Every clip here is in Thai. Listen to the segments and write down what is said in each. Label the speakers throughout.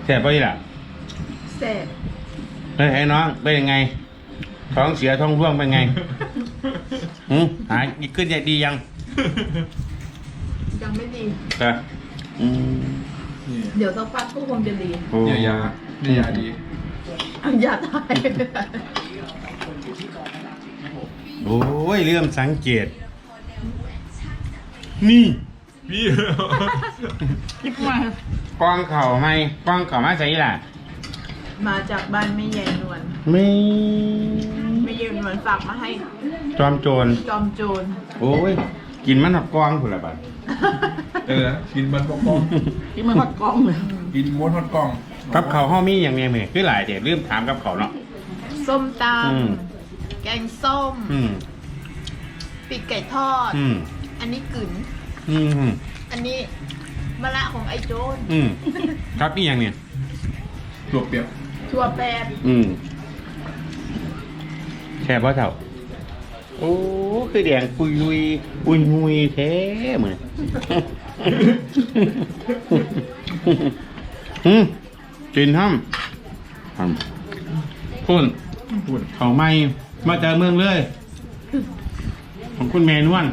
Speaker 1: แซ่บป่ะนี่ล่ะ
Speaker 2: แซ่บ
Speaker 1: เฮ้ยน้องเป็นยังไงท้องเสียท้องร่วงเป็นไงหายขึ้นใจดียัง
Speaker 2: ยังไม่ดี
Speaker 1: ก็อืม
Speaker 3: นี่
Speaker 2: เดี๋ยวสักพักก็คงจะดี
Speaker 1: โอ้
Speaker 3: เนี่ยยาเนี่ยยาดี
Speaker 2: อย่าตาย
Speaker 1: โอ้ยเริ่มสังเกต นี่
Speaker 3: พี่
Speaker 2: คิดมาก
Speaker 1: องเข่าไหมกองเข่ามาใส่ล่ะ
Speaker 2: มาจากบ้านแม่ใหญ่นวล
Speaker 1: ไม่
Speaker 2: แม่ใหญ่นวลฝากมาให้
Speaker 1: จอมโจร
Speaker 2: จอมโจร
Speaker 1: โอ้ยกินมันหับกองผุนละบัด
Speaker 3: กินมันปกป้อง
Speaker 2: ที่มันฮอดกล้องเลย
Speaker 3: กินม้วนทอดกล่อง
Speaker 1: กับเขาวห้อมีอย่างเนี้ยเหมือนคือหลายเด็ดลืมถามกับเขาวเนาะ
Speaker 2: ส้มต
Speaker 1: อืม
Speaker 2: ำแกงส้ม
Speaker 1: อืม
Speaker 2: ปีกไก่ทอด
Speaker 1: อืม
Speaker 2: อันนี้กึ๋น
Speaker 1: อืม
Speaker 2: อันนี้มะละของไอ้โจร
Speaker 1: อืมครับนี่อย่างเนี้ย
Speaker 3: ตัวเปียก
Speaker 2: ถั่วแปด
Speaker 1: แช่พ่อเถ่าโอ้คือแดงปุยลุยปุยมุยแท้เหมือนกินห้ำคุณ
Speaker 3: พูด
Speaker 1: เขาไม่มาเจอเมืองเลย ของคุณแมนวน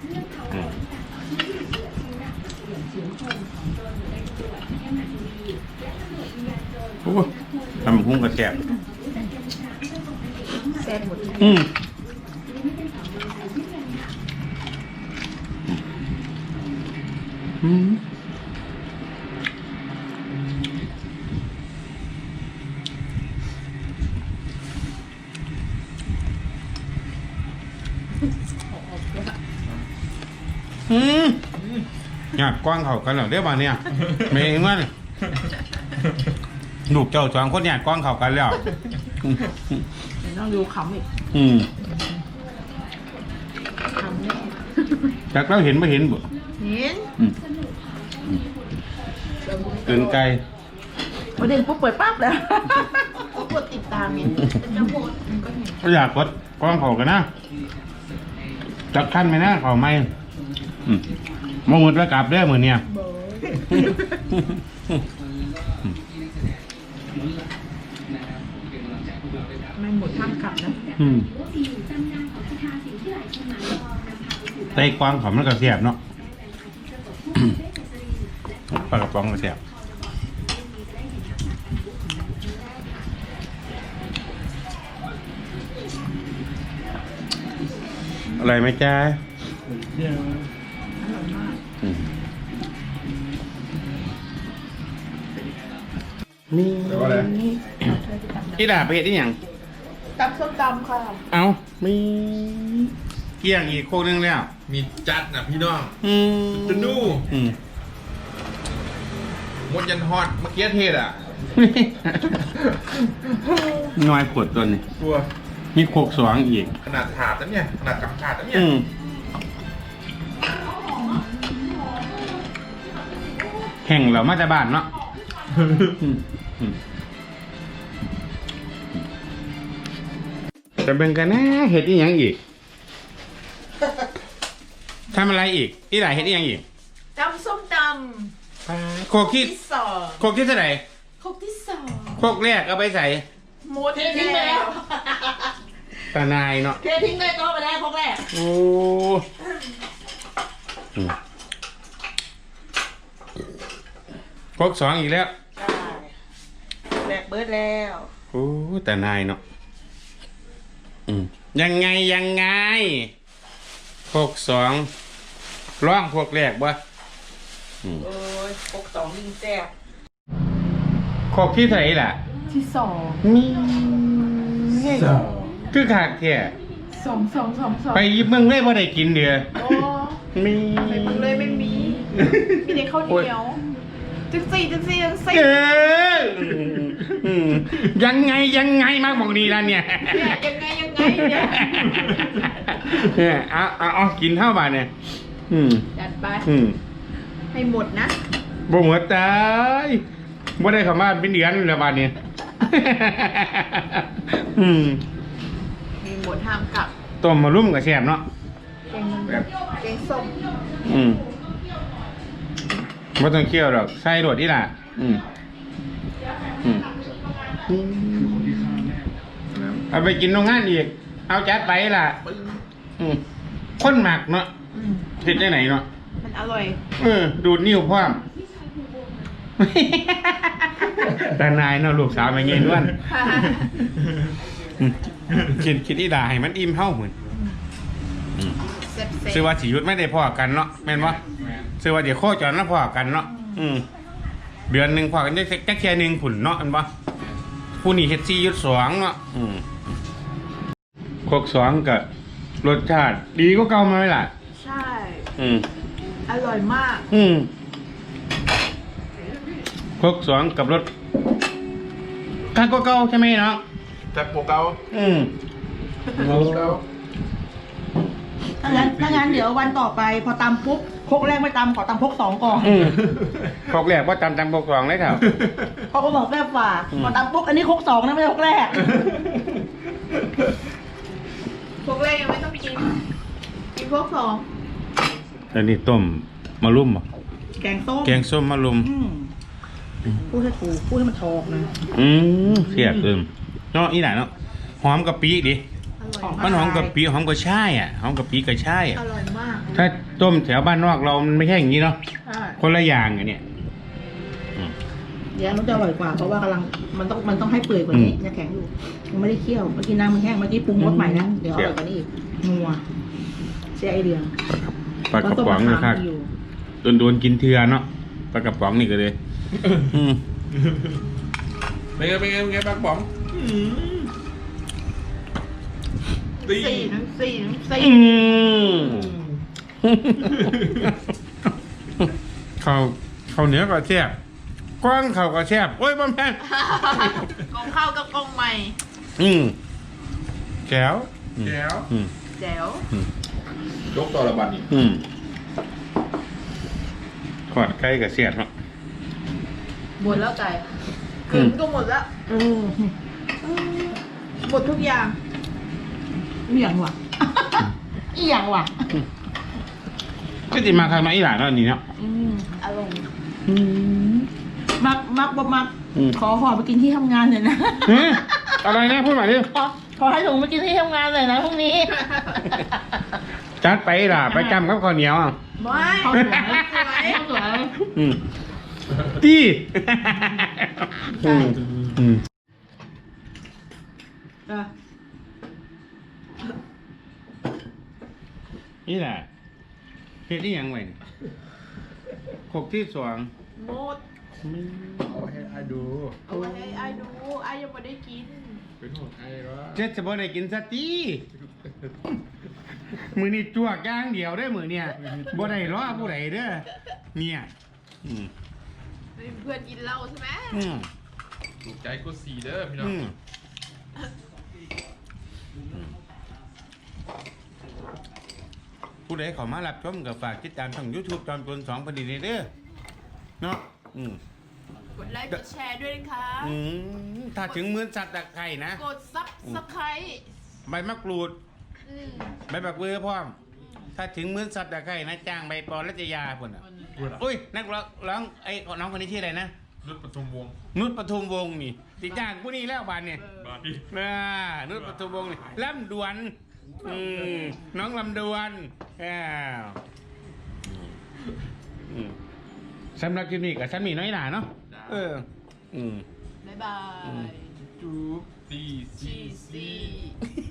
Speaker 1: โอ้ทำหุ้งกระแสบ
Speaker 2: แซ่บหมด
Speaker 1: อืมอืมอยากกว้างเขากันเหรอเดี๋ยวมาเนี่ยเมย์มันลูกเจ้าสองคนอยากกว้างเขากันแล้ว
Speaker 2: ต้องดูขำอีก
Speaker 1: อืม
Speaker 2: ขำแน่
Speaker 1: จากเราเห็นไม่เห็นบ่
Speaker 2: เห็น
Speaker 1: อืมเกินไกล
Speaker 2: ประเด็นปุ๊บเปิดปั๊บแล้วก็กดติดตามไงจะโหวตมันก็เห็น
Speaker 1: ก็อยากกดกว้างเขากันนะจักขั้นไหมนะเขาไม่มาหมดแล้วกลับได้เหมือนเนี่ย
Speaker 2: เบอไม่หมดข้ามกลับนะ
Speaker 1: ไต้กวางเขามันก็เสียบเนาะ ปลากระป๋องก็เสียบอะไรไหมจ๊ะ
Speaker 3: เยี่ยม
Speaker 2: อร่อยมาก
Speaker 1: นี่
Speaker 3: แล้วก็อะไร
Speaker 1: ที่ด่าไปเห็ดที่อย่าง
Speaker 2: ตับส้มตำค่ะ
Speaker 1: เอามีเกี่ยงอีกโคนึงแล้ว
Speaker 3: มีจัดนะพี่น้อง
Speaker 1: อืม
Speaker 3: จะดู
Speaker 1: อืม
Speaker 3: มดยันทอดเมื่อกี้เทศอ่ะ
Speaker 1: น้อยขวดตัวนี้
Speaker 3: ตัว
Speaker 1: มีโคกสองอีก
Speaker 3: ขนาดถาดนะเนี่ยขนาดกับถาดนะเนี่ย
Speaker 1: แห่งเรามาจากบ้านเนาะจะเป็นกันนะเห็ดอีหยังอีกทำอะไรอีกที่ไหนเห็ดอีหยังอีก
Speaker 2: ตำส้มต
Speaker 1: โคก
Speaker 2: ำ
Speaker 1: ที่
Speaker 2: ที่สอง
Speaker 1: โคกที่เท่าไหร่
Speaker 2: ครกที่สอง
Speaker 1: โคกแรกเอาไปใส่
Speaker 2: หมดแล้ว
Speaker 1: ตานายเนาะ
Speaker 2: เททิ้งเลยก็ไปได้ครกแรก
Speaker 1: โอ้โคกสองอีกแล้ว
Speaker 2: แบกเบิร์ดแล้ว
Speaker 1: โอ้แต่นายเนาะยังไงพวกสองร่องพวกแรกบ่
Speaker 2: โอ้ยครกสองยิงแซ่บ
Speaker 1: พวกที่ไหนล่ะ
Speaker 2: ที่สอง
Speaker 1: มีคือขาดแค่
Speaker 2: สอง
Speaker 1: ไปยิบเมืองเลยว่าได้กินเดือ
Speaker 2: โอ้
Speaker 1: มี
Speaker 2: ไปมึงเลยไม่มี มีแต่ข้าวเหนียวจังสี่
Speaker 1: เออยังไงมากบอกดีแล้วเนี่ย
Speaker 2: เนี่ยยังไงเนี่ย
Speaker 1: เอากินเท่าบาทเนี่ย
Speaker 2: จัดไป ให้หมดนะ
Speaker 1: บ่หมดตายบ่ได้เข้ามาเป็นเดือนแล้วบาทเนี่ย
Speaker 2: มีหมดห้ามกลับ
Speaker 1: ต้มมารุ่มกับแซ่บเนาะ
Speaker 2: แกงส้ม
Speaker 1: บ่ต้องเคี่ยวหรอกใส่โดดนี่ล่ะเอาไปกินโรงงานอีกเอาจัดไปล่ะคนหมักเนาะเห็ดได้ไหนเนาะ
Speaker 2: มันอร่อย
Speaker 1: ดูดนิ้วพร้อม แต่นายเนาะลูกสาวมาเงี้ยด้วนคิดอีด่าให้มันอิ่มเท่าเหมือน
Speaker 2: เซ็บ
Speaker 1: ซื้อว่าสิยุทธไม่ได้พ่อกันเนาะแม่นวะซื้อว่าเดี๋ยวโคจรแล้วพ่อกันเนาะเดือนหนึ่งพ่อกันได้แค่แค่หนึ่งผุนเนาะอันวะผู้นี่เฮ็ดซี่ยุทธสองเนาะโคกสองกับรสชาติดีก็เก่ามาไหมล่ะ
Speaker 2: ใช่ อร่อยมาก
Speaker 1: โคกสองกับรสกาก็เก่าใช่ไหมเนาะ
Speaker 3: แต่โปรเกา
Speaker 1: โลเก่า
Speaker 2: ถ้างั้นเดี๋ยววันต่อไปพอตำปุ๊บครกแรกไม่ตำขอตำครกสองก่อน
Speaker 1: พกแรกว่าตำโคกสองเลยเถอะ
Speaker 2: เขาก็บอกแม่ฝากพอตำปุ๊บอันนี้ครกสองนะไม่ใช่ครกแรก
Speaker 4: พวกแรกยังไม่ต้องกิน กินพวกสอง
Speaker 1: อันนี้ต้มมะลุ่มเหรอ
Speaker 2: แกงส้ม
Speaker 1: แกงส้มมะลุ่ม
Speaker 2: พูดให้ถูกพูดให้มันทอกนะ
Speaker 1: เสียบเนาะอีไหนเนาะหอมกะปิดิ
Speaker 4: อร่อย
Speaker 1: มันหอมกะปิหอมกระช่ายอ่ะหอมกะปิกระช่ายอ่ะ
Speaker 4: อร่อยมาก
Speaker 1: ถ้าต้มแถวบ้านนอกเรามันไม่ใช่อย่างนี้เนาะ
Speaker 2: ใช่
Speaker 1: คนละอย่างไงเนี่ย
Speaker 2: เดี๋ยวมันจะอร่อยกว่าเพราะว่ากำลังมันต้องให้เปื่อยกว่านี้ยังแข็งอยู่ยังไม่ได้เคี่ยวเมื่อกี้น้ำมันแห้งเมื่อกี้ปรุงรสใหม่นะเดี๋ยวอร่อยกว่านี้อีกนัวเสียไอเดีย
Speaker 1: ปลากระป๋องนะครับโดนกินเทือเนาะปลากระป๋องนี่ก็เลย
Speaker 3: เป็นไงปากป๋องตี
Speaker 4: 4
Speaker 1: เขาเหนือก็แซ่บกว้างเขาก็แซ่บโอ้ยบ่แม่น
Speaker 4: กองข้าวกับกองใหม่
Speaker 1: แก้ว
Speaker 3: แก้ว
Speaker 4: แจ๋วย
Speaker 3: กต่อระบัดนี่
Speaker 1: ขอดไก่กับเสียดเนาะ
Speaker 4: หมดแล้วไก่เกินก็หมดแล้วหมดทุกอย่าง
Speaker 2: อีหยังวะ อีหยังวะ
Speaker 1: ก็จิมาใครมาอีหลานเนาะนี่เนาะ
Speaker 4: อร่อย
Speaker 2: มักขอหอไปกินที่ทำงานเลยนะ
Speaker 1: อะไรนะพูดใหม่ดิ
Speaker 2: ขอให้ถุงไปกินที่ทำงานเลยนะพรุ่งนี้
Speaker 1: จัดไปล่ะไปจำกับข้าวเหนียวอ่ะ
Speaker 4: ไม่
Speaker 2: ข้าวสวยข้าวสวย
Speaker 1: ตี้ นี่แหละเฮ็ดที่ยังไงขกที่สอง
Speaker 4: หมด
Speaker 3: เอาให้ไอ้ดู
Speaker 4: เอาไว้ให้ไอ้ดูไอ้ยังไม่ได้กิน
Speaker 3: เป็นของไอ้วะ
Speaker 1: เจ็ดจะบ่ได้กินสตีมือนี่จวกย่างเดียวได้อมือเนี่ยบ่ได้ล้อผู้ใดเด้อเนี่ย
Speaker 4: เพื่อนกินเหล้าใช่ไหม
Speaker 3: ถูกใจก็สีเด้อพี่น้อง
Speaker 1: ผู้ใดเขามารับชมกับฝากติดตามช่อง YouTube จอมพลสองพอดีเด้อเนาะ
Speaker 4: กดไลค์กดแชร์ด้วยนะคะ
Speaker 1: ถ้าถึงมื้อสัตว์ตะไคร่นะ
Speaker 4: กดซับสไครต์
Speaker 1: ใบมะกรูดใบบักเบือพร้อมถ้าถึงมื้อสัตว์ตะไคร่นะจ้างใบปอรัชยาพุ่นอ่ะอุ้ยนักร้องไอ้น้องคนนี้ชื่ออะไรนะ
Speaker 3: นุชปทุมวงศ์
Speaker 1: นุชปทุมวงศ์นี่ติจ้างผู้นี้แล้วบานเนี่ย
Speaker 3: บาดนี่
Speaker 1: นุชปทุมวงศ์นี่ลำดวนน้องลำดวนสำหรับคลิปนี้กับฉันมีน้อยหนาเนาะ
Speaker 4: บ๊ายบาย
Speaker 3: จูบตี
Speaker 4: ชีซี